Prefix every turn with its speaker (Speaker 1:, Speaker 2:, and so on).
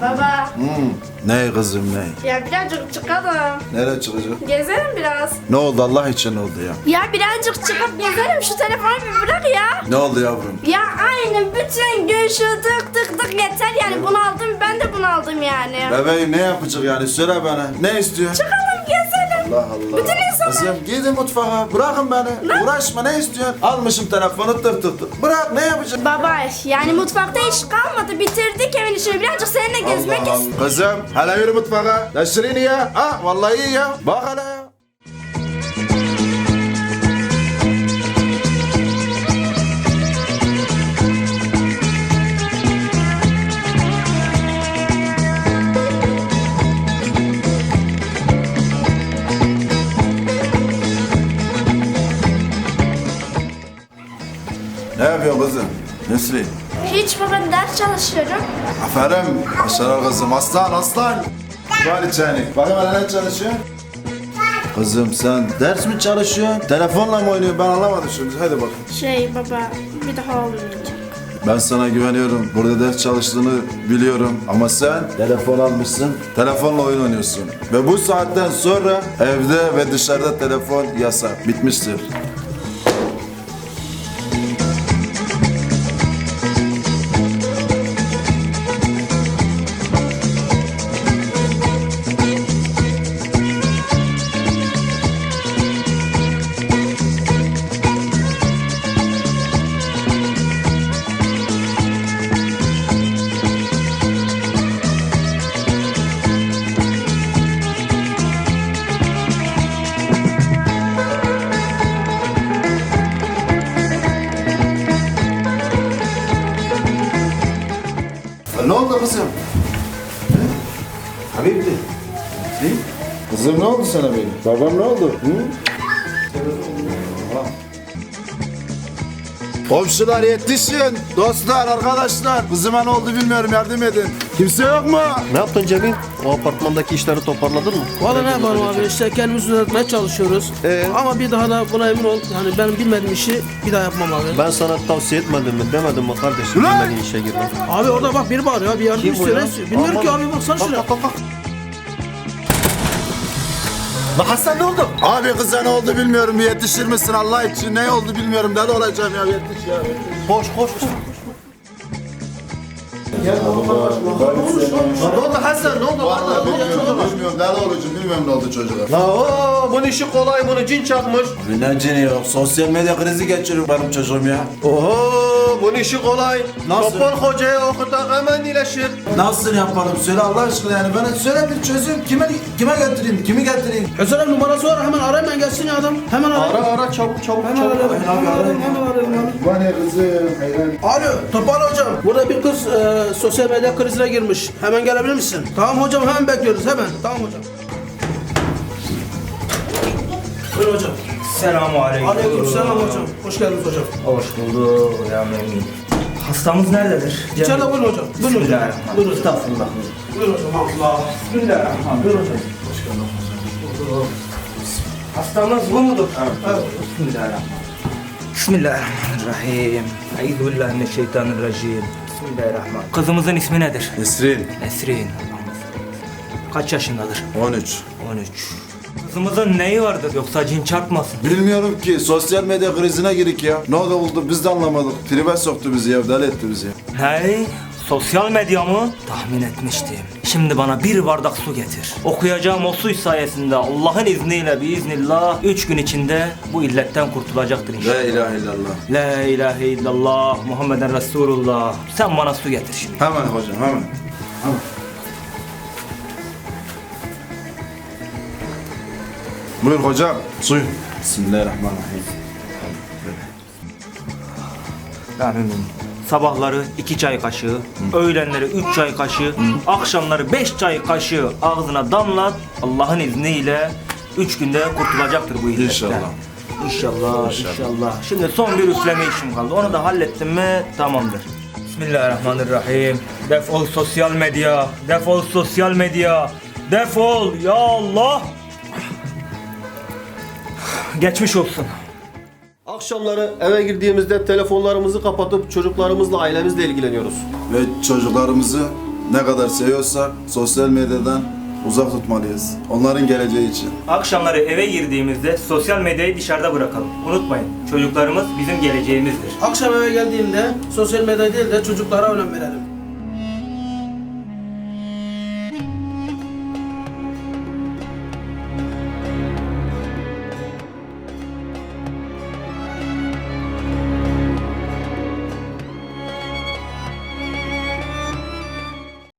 Speaker 1: Baba.
Speaker 2: Ne kızım ne?
Speaker 1: Ya birazcık çıkalım.
Speaker 2: Nereye çıkacak?
Speaker 1: Gezelim biraz.
Speaker 2: Ne oldu Allah için ne oldu ya?
Speaker 1: Ya birazcık çıkıp gezelim, şu telefonu bir bırak ya.
Speaker 2: Ne oldu yavrum?
Speaker 1: Ya aynı bütün gün şu tık tık tık yeter yani, bunu aldım, ben de bunu aldım yani.
Speaker 2: Bebeğim ne yapacak yani söyle bana. Ne istiyorsun?
Speaker 1: Çıkalım gezelim.
Speaker 2: Allah Allah.
Speaker 1: Bütün insanlar-
Speaker 2: Kızım gidin mutfağa bırakın beni. Uğraşma ne istiyorsun? Almışım telefonu tık tık tık. Bırak ne yapacaksın?
Speaker 1: Baba yani mutfakta iş kalmadı, bitirdik evin işini, birazcık seninle gezmek
Speaker 2: Allah
Speaker 1: istiyorum.
Speaker 2: Allah. Kızım hele yürü mutfağa. Deşirini ya. Ha vallahi iyi ya. Bak hele ya. Ne yapıyorsun kızım? Nesli?
Speaker 1: Hiç baba, ders çalışıyorum.
Speaker 2: Aferin. Başarılı kızım. Aslan aslan. Var içeni. Bakın hele ne çalışıyorsun? Kızım sen ders mi çalışıyorsun? Telefonla mı oynuyorsun? Ben anlamadım şimdi. Hadi bak.
Speaker 1: Baba, bir daha olmayacak.
Speaker 2: Ben sana güveniyorum. Burada ders çalıştığını biliyorum. Ama sen telefon almışsın. Telefonla oyun oynuyorsun. Ve bu saatten sonra evde ve dışarıda telefon yasak. Bitmiştir. Ne oldu kızım? Habibli. Ne? Kızım ne oldu sana benim? Babam ne oldu? Komşular yetişin. Dostlar, arkadaşlar. Kızıma ne oldu bilmiyorum, yardım edin. Kimse yok mu?
Speaker 3: Ne yaptın Cemil? O apartmandaki işleri toparladın mı?
Speaker 4: Valla ne yapalım abi, işte kendimizi düzeltmeye çalışıyoruz. Ama bir daha da buna emin ol, yani ben bilmediğim işi bir daha yapmam abi.
Speaker 3: Ben sana tavsiye etmedim mi? Demedim mi kardeşim?
Speaker 2: Ulan!
Speaker 3: Bilmediğin işe girme.
Speaker 4: Abi orada bak biri bağırıyor, bir yardım
Speaker 3: Kim bu
Speaker 4: istiyor.
Speaker 3: ya?
Speaker 4: ne istiyor? Bilmiyorum ki
Speaker 3: Aman.
Speaker 4: abi, baksana şuraya.
Speaker 3: Bak. Lan Hasan ne oldu?
Speaker 2: Abi kıza ne oldu bilmiyorum. Bir yetişir misin Allah için? Ne oldu bilmiyorum. Deli olacağım ya. Yetiş ya.
Speaker 3: Koş. Ne oldu Hasan? Ne oldu?
Speaker 2: Vallahi bilmiyorum. Deli olacağım. Bilmiyorum ne oldu çocuğa.
Speaker 3: La o bunun işi kolay, bunu cin çakmış.
Speaker 2: Ne cini yok. Sosyal medya krizi geçiriyor benim çocuğum ya.
Speaker 3: Oho bunun işi kolay.
Speaker 2: Nasıl?
Speaker 3: Topal hocaya okutak hemen iyileşir.
Speaker 2: Nasıl yapalım? Söyle Allah aşkına yani. Bana söyle bir çözüm. Kime götüreyim? Kimi getireyim?
Speaker 4: Hüseyin numarası var, hemen arayın, ben gelsin ya adam. Hemen arayın.
Speaker 3: Ara çabuk.
Speaker 4: Hemen arayın. Hemen arayın abi.
Speaker 2: Bu ne kızım? Hayran.
Speaker 4: Alo, Topal hocam. Burada bir kız sosyal medya krizine girmiş. Hemen gelebilir misin? Tamam hocam, hemen bekliyoruz hemen. Tamam hocam. Buyurun hocam.
Speaker 5: Selamünaleyküm.
Speaker 4: Aleykümselam hocam. Hoş geldiniz hocam.
Speaker 5: Hoş bulduk ya memnun. Hastamız nerededir?
Speaker 4: İçeride buyurun hocam. Buyurun hocam.
Speaker 5: Bismillahirrahmanirrahim.
Speaker 4: Buyurun hocam.
Speaker 5: Estağfurullah.
Speaker 4: Buyurun hocam. Allah.
Speaker 5: Bismillahirrahmanirrahim. Buyurun hocam. Hastamız bu mudur?
Speaker 4: Evet.
Speaker 5: Bismillahirrahmanirrahim. Bismillahirrahmanirrahim. Euzubillahimineşşeytanirracim. Bismillahirrahmanirrahim. Kızımızın ismi nedir?
Speaker 2: Nesrin.
Speaker 5: Nesrin. Kaç yaşındadır?
Speaker 2: 13.
Speaker 5: 13. Kızımızın neyi vardır yoksa cin çarpmasın?
Speaker 2: Bilmiyorum ki. Sosyal medya krizine girik ya. Ne oldu biz de anlamadık. Tribe soktu bizi ya. Deli etti bizi ya.
Speaker 5: Hey, sosyal medya mı? Tahmin etmiştim. Şimdi bana bir bardak su getir. Okuyacağım o su sayesinde Allah'ın izniyle biiznillah 3 gün içinde bu illetten kurtulacaktır inşallah.
Speaker 2: La ilahe illallah.
Speaker 5: La ilahe illallah Muhammeden Resulullah. Sen bana su getir şimdi.
Speaker 2: Hemen hocam hemen. Buyur hocam. Suyu. Bismillahirrahmanirrahim.
Speaker 5: Amin. Sabahları 2 çay kaşığı, öğlenleri 3 çay kaşığı, akşamları 5 çay kaşığı ağzına damlat. Allah'ın izniyle 3 günde kurtulacaktır bu illetten.
Speaker 2: İnşallah.
Speaker 5: İnşallah. Şimdi son bir üfleme işim kaldı. Onu da hallettim mi tamamdır. Bismillahirrahmanirrahim. Defol sosyal medya. Defol sosyal medya. Defol ya Allah. Geçmiş olsun.
Speaker 3: Akşamları eve girdiğimizde telefonlarımızı kapatıp çocuklarımızla, ailemizle ilgileniyoruz.
Speaker 2: Ve çocuklarımızı ne kadar seviyorsak sosyal medyadan uzak tutmalıyız. Onların geleceği için.
Speaker 5: Akşamları eve girdiğimizde sosyal medyayı dışarıda bırakalım. Unutmayın, çocuklarımız bizim geleceğimizdir.
Speaker 4: Akşam eve geldiğimde sosyal medya değil de çocuklara önem verelim.